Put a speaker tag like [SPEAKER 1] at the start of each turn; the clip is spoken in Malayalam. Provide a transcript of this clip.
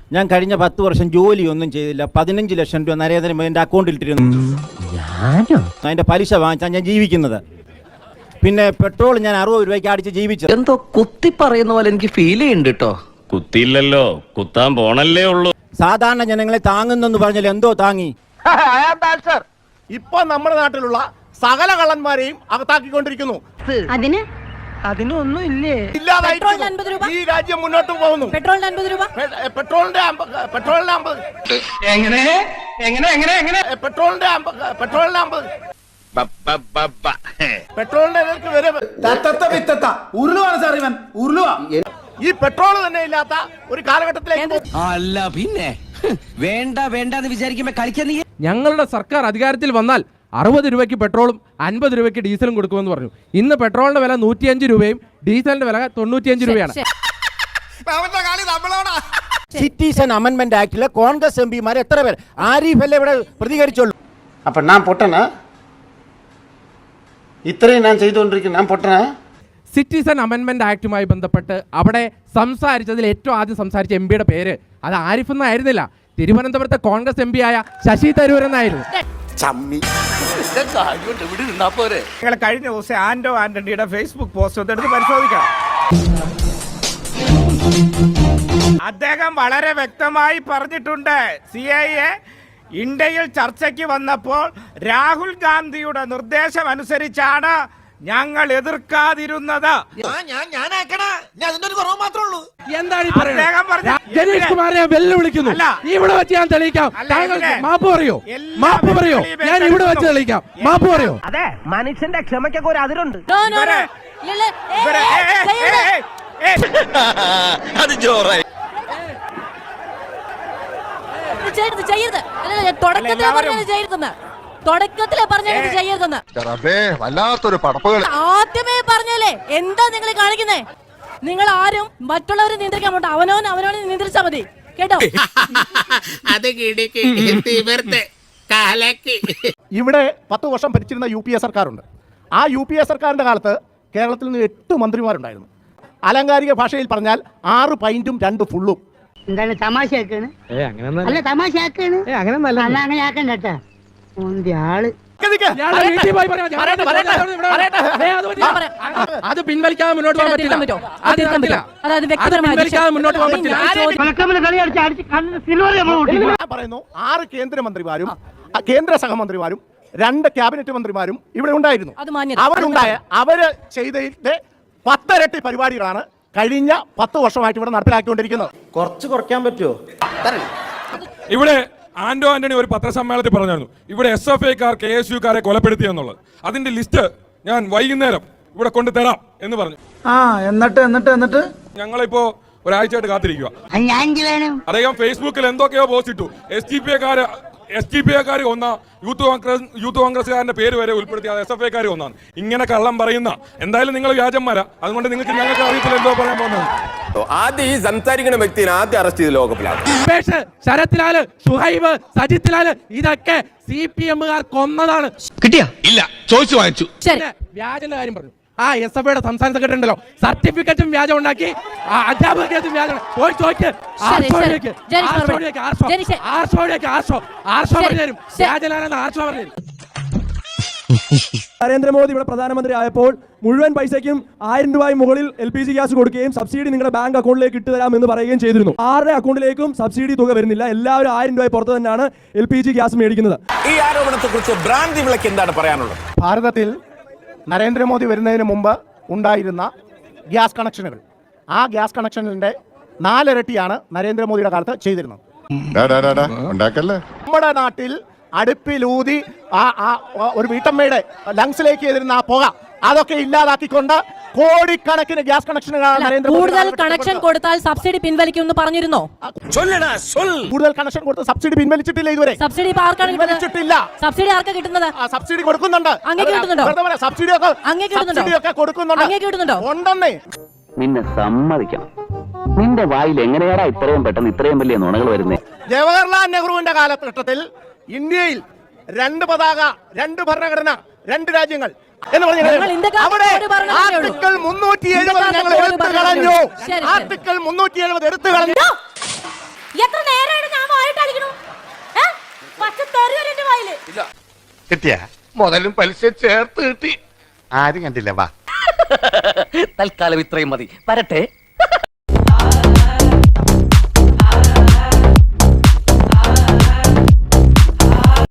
[SPEAKER 1] ഞാൻ കഴിഞ്ഞ 10 വർഷം ജോലിയൊന്നും ചെയ്തില്ല. 15 ലക്ഷം രൂപ നരേന്ദ്രമോദിന്റെ അക്കൗണ്ടിൽ ഇട്ടിരുന്നു. അതിന്റെ പലിശ വാങ്ങിച്ചാൽ ഞാൻ ജീവിക്കുന്നത്. പിന്നെ പെട്രോൾ ഞാൻ 60 രൂപയ്ക്ക് അടിച്ച് ജീവിച്ചത്.
[SPEAKER 2] എന്തോ കുത്തി പറയുന്ന പോലെ എനിക്ക് ഫീൽ ചെയ്യുന്നുണ്ട് കേട്ടോ.
[SPEAKER 3] കുത്തിയില്ലല്ലോ, കുത്താൻ പോണല്ലേ ഉള്ളൂ.
[SPEAKER 1] സാധാരണ ജനങ്ങളെ താങ്ങുന്നെന്ന് പറഞ്ഞാൽ എന്തോ താങ്ങി.
[SPEAKER 4] ഇപ്പൊ നമ്മുടെ നാട്ടിലുള്ള സകല കള്ളന്മാരെയും അകത്താക്കിക്കൊണ്ടിരിക്കുന്നു.
[SPEAKER 5] അതിനൊന്നും ഇല്ലേ?
[SPEAKER 4] ഈ രാജ്യം മുന്നോട്ട് പോകുന്നു.
[SPEAKER 5] പെട്രോളിന് 50 രൂപ.
[SPEAKER 4] പെട്രോളിന്റെ 50. പെട്രോളിന്റെ 50. പെട്രോളിന്റെ വരെ
[SPEAKER 6] ഉരുളുവാണ് സാർ ഇവൻ. ഉരുളുവാ.
[SPEAKER 4] ഈ പെട്രോൾ തന്നെ ഇല്ലാത്ത ഒരു കാലഘട്ടത്തിലേക്ക്
[SPEAKER 2] അല്ല പിന്നെ വേണ്ട വേണ്ടെന്ന് വിചാരിക്കുമ്പോ കളിക്കാൻ നീ.
[SPEAKER 7] ഞങ്ങളുടെ സർക്കാർ അധികാരത്തിൽ വന്നാൽ 60 രൂപയ്ക്ക് പെട്രോളും 50 രൂപയ്ക്ക് ഡീസലും കൊടുക്കുമെന്ന് പറഞ്ഞു. ഇന്ന് പെട്രോളിന്റെ വില 105 രൂപയും ഡീസലിന്റെ വില 95 രൂപയാണ്.
[SPEAKER 1] സിറ്റിസൺ അമെന്റ്മെന്റ് ആക്ടിലെ കോൺഗ്രസ് എംപിമാർ എത്ര പേർ? ആരിഫ് അല്ലേ ഇവിടെ പ്രതികരിച്ചുള്ളൂ.
[SPEAKER 8] അപ്പൊ ഞാൻ പൊട്ടനാ? ഇത്രയും ഞാൻ ചെയ്തുകൊണ്ടിരിക്കുന്നു, ഞാൻ പൊട്ടനാ?
[SPEAKER 7] സിറ്റിസൺ അമെന്റ്മെന്റ് ആക്ടുമായി ബന്ധപ്പെട്ട് അവിടെ സംസാരിച്ചതിൽ ഏറ്റവും ആദ്യം സംസാരിച്ച എംപിയുടെ പേര് അത് ആരിഫ് എന്നായിരുന്നില്ല, തിരുവനന്തപുരത്തെ കോൺഗ്രസ് എം പി ആയ ശശി തരൂർ എന്നായിരുന്നു.
[SPEAKER 4] നിങ്ങൾ കഴിഞ്ഞ ദിവസം ആന്റണിയുടെ ഫേസ്ബുക്ക് പോസ്റ്റ് എടുത്ത് പരിശോധിക്കണം. അദ്ദേഹം വളരെ വ്യക്തമായി പറഞ്ഞിട്ടുണ്ട്, CIA ഇന്ത്യയിൽ ചർച്ചയ്ക്ക് വന്നപ്പോൾ രാഹുൽ ഗാന്ധിയുടെ നിർദ്ദേശം അനുസരിച്ചാണ് ഞങ്ങൾ എതിർക്കാതിരുന്നത്.
[SPEAKER 7] എന്താണ് ജനീഷ് കുമാറിനെ വെല്ലുവിളിക്കുന്നു? ഇവിടെ വെച്ച് ഞാൻ തെളിയിക്കാം. മാപ്പ് പറയോ? മാപ്പ് പറയോ? ഞാൻ ഇവിടെ വെച്ച് തെളിയിക്കാം. മാപ്പ് പറയോ?
[SPEAKER 5] അതെ, മനുഷ്യന്റെ ക്ഷമയ്ക്കൊക്കെ ഒരു അതിരുണ്ട്.
[SPEAKER 3] അത് ജോറായി.
[SPEAKER 5] തുടക്കത്തിലെ പറഞ്ഞത് ചെയ്യരുതെന്ന്
[SPEAKER 6] വല്ലാത്തൊരു പടപ്പുകൾ
[SPEAKER 5] ആദ്യമേ പറഞ്ഞല്ലേ. എന്താ നിങ്ങൾ കാണിക്കുന്നേ? നിങ്ങൾ ആരും മറ്റുള്ളവരെ നിയന്ത്രിക്കാൻ പോട്ടെ, അവനവനെ നിയന്ത്രിച്ചാ മതി കേട്ടോ.
[SPEAKER 4] ഇവിടെ 10 വർഷം ഭരിച്ചിരുന്ന UPA സർക്കാരുണ്ട്. ആ UPA സർക്കാരിന്റെ കാലത്ത് കേരളത്തിൽ നിന്ന് 8 മന്ത്രിമാരുണ്ടായിരുന്നു. അലങ്കാരിക ഭാഷയിൽ പറഞ്ഞാൽ 6 പൈന്റും 2 ഫുള്ളും.
[SPEAKER 5] എന്താണ് തമാശയാക്കാണ്? അല്ല തമാശയാക്കാണ്, അങ്ങനെ ആക്കണ്ട കേട്ടാ.
[SPEAKER 7] അത് പിൻവലിക്കാതെ മുന്നോട്ട് പോകാൻ പറ്റില്ല.
[SPEAKER 4] പറയുന്നു 6 കേന്ദ്രമന്ത്രിമാരും കേന്ദ്ര സഹമന്ത്രിമാരും 2 ക്യാബിനറ്റ് മന്ത്രിമാരും ഇവിടെ ഉണ്ടായിരുന്നു. അവര് ചെയ്തതിന്റെ 10 ഇരട്ടി പരിപാടികളാണ് കഴിഞ്ഞ 10 വർഷമായിട്ട് ഇവിടെ നടപ്പിലാക്കിക്കൊണ്ടിരിക്കുന്നത്.
[SPEAKER 1] കുറച്ച് കുറയ്ക്കാൻ പറ്റുമോ?
[SPEAKER 9] ഇവിടെ ആന്റണി ഒരു പത്രസമ്മേളനത്തിൽ പറഞ്ഞായിരുന്നു ഇവിടെ SFIക്കാർ KSUക്കാരെ കൊലപ്പെടുത്തി എന്നുള്ളത്. അതിന്റെ ലിസ്റ്റ് ഞാൻ വൈകുന്നേരം ഇവിടെ കൊണ്ടുതരാം എന്ന് പറഞ്ഞു.
[SPEAKER 6] എന്നിട്ട്
[SPEAKER 9] ഞങ്ങളിപ്പോ ഒരാഴ്ചയായിട്ട് കാത്തിരിക്കുക. അദ്ദേഹം ഫേസ്ബുക്കിൽ എന്തൊക്കെയോ പോസ്റ്റ് ഇട്ടു. SDPIക്കാർ ഒന്ന യൂത്ത് കോൺഗ്രസ്സുകാരന്റെ പേര് വരെ ഉൾപ്പെടുത്തിയ SFIക്കാർ ഒന്നാണ്. ഇങ്ങനെ കള്ളം പറയുന്ന എന്തായാലും നിങ്ങൾ വ്യാജന്മാരാ. അതുകൊണ്ട് ഞങ്ങൾക്ക് അറിയത്തില്ല എന്തോ പറയാൻ പോകുന്നത്.
[SPEAKER 3] ആദ്യം ഈ സംസാരിക്കുന്ന വ്യക്തിയെ ആദ്യം അറസ്റ്റ് ചെയ്ത് ലോകപ്പിലാണ്.
[SPEAKER 7] ശരത് ലാല്, ഷുഹൈബ്, സജിത് ലാല് ഇതൊക്കെ CPMകാർ കൊന്നതാണ്.
[SPEAKER 3] കിട്ടിയാ? ഇല്ല, ചോദിച്ചു വാങ്ങിച്ചു.
[SPEAKER 7] വ്യാജന്റെ കാര്യം പറഞ്ഞു. SFIയുടെ സംസ്ഥാന സെക്രട്ടറി ഉണ്ടല്ലോ, സർട്ടിഫിക്കറ്റും വ്യാജം ഉണ്ടാക്കി, അധ്യാപകത്തും വ്യാജം.
[SPEAKER 10] നരേന്ദ്രമോദി ഇവിടെ പ്രധാനമന്ത്രി ആയപ്പോൾ മുഴുവൻ പൈസയ്ക്കും 1000 രൂപയും മുകളിൽ LPG ഗ്യാസ് കൊടുക്കുകയും സബ്സിഡി നിങ്ങളുടെ ബാങ്ക് അക്കൗണ്ടിലേക്ക് ഇട്ടുതരാമെന്ന് പറയുകയും ചെയ്തിരുന്നു. ആരുടെ അക്കൗണ്ടിലേക്കും സബ്സിഡി തുക വരുന്നില്ല. എല്ലാവരും 1000 രൂപ പുറത്ത് തന്നെയാണ് LPG ഗ്യാസ് മേടിക്കുന്നത്.
[SPEAKER 3] ഈ ആരോപണത്തെ കുറിച്ച് ഭ്രാന്തി വിളക്ക് എന്താണ് പറയാനുള്ളത്?
[SPEAKER 4] ഭാരതത്തിൽ നരേന്ദ്രമോദി വരുന്നതിന് മുമ്പ് ഉണ്ടായിരുന്ന ഗ്യാസ് കണക്ഷനുകൾ, ആ ഗ്യാസ് കണക്ഷനിന്റെ 4 ഇരട്ടിയാണ് നരേന്ദ്രമോദിയുടെ കാലത്ത് ചെയ്തിരുന്നത്. നമ്മുടെ നാട്ടിൽ അടുപ്പിലൂതി ഒരു വീട്ടമ്മയുടെ ലങ്സിലേക്ക് എതിരുന്ന ആ പുക അതൊക്കെ ഇല്ലാതാക്കിക്കൊണ്ട് കോടിക്കണക്കിന് ഗ്യാസ് കണക്ഷനുകളാണ്
[SPEAKER 5] കൂടുതൽ കണക്ഷൻ കൊടുത്താൽ സബ്സിഡി പിൻവലിക്കുമെന്ന് പറഞ്ഞിരുന്നോ?
[SPEAKER 4] കൂടുതൽ കണക്ഷൻ കൊടുത്ത് സബ്സിഡി പിൻവലിച്ചിട്ടില്ല ഇതുവരെ.
[SPEAKER 5] സബ്സിഡി പിൻവലിച്ചിട്ടില്ല. സബ്സിഡി ആർക്കാ കിട്ടുന്നത്?
[SPEAKER 4] സബ്സിഡി കൊടുക്കുന്നുണ്ട്. സബ്സിഡിയൊക്കെ കൊടുക്കുന്നുണ്ട്. ഉണ്ടെന്നേ.
[SPEAKER 2] നിന്നെ സമ്മതിക്കണം. നിന്റെ വായിൽ എങ്ങനെയാടാ ഇത്രയും പെട്ടെന്ന് ഇത്രയും വലിയ നുണകൾ വരുന്നേ?
[SPEAKER 4] ജവഹർലാൽ നെഹ്റുവിന്റെ കാലഘട്ടത്തിൽ ഇന്ത്യയിൽ 2 പതാക, 2 ഭരണഘടന, 2 രാജ്യങ്ങൾ എന്ന് പറഞ്ഞാൽ അവിടെ ആർട്ടിക്കിൾ 370 ഞങ്ങൾ എടുത്തു കളഞ്ഞു. ആർട്ടിക്കിൾ 370 എടുത്തു കളഞ്ഞു.
[SPEAKER 5] എത്ര പക്ഷെ തെറിയല്ല എന്റെ വായില്.
[SPEAKER 6] കിട്ടിയ മുതലും പലിശ ചേർത്ത് കിട്ടി ആരും കണ്ടില്ല വാ
[SPEAKER 2] തൽക്കാലം ഇത്രയും മതി. വരട്ടെ.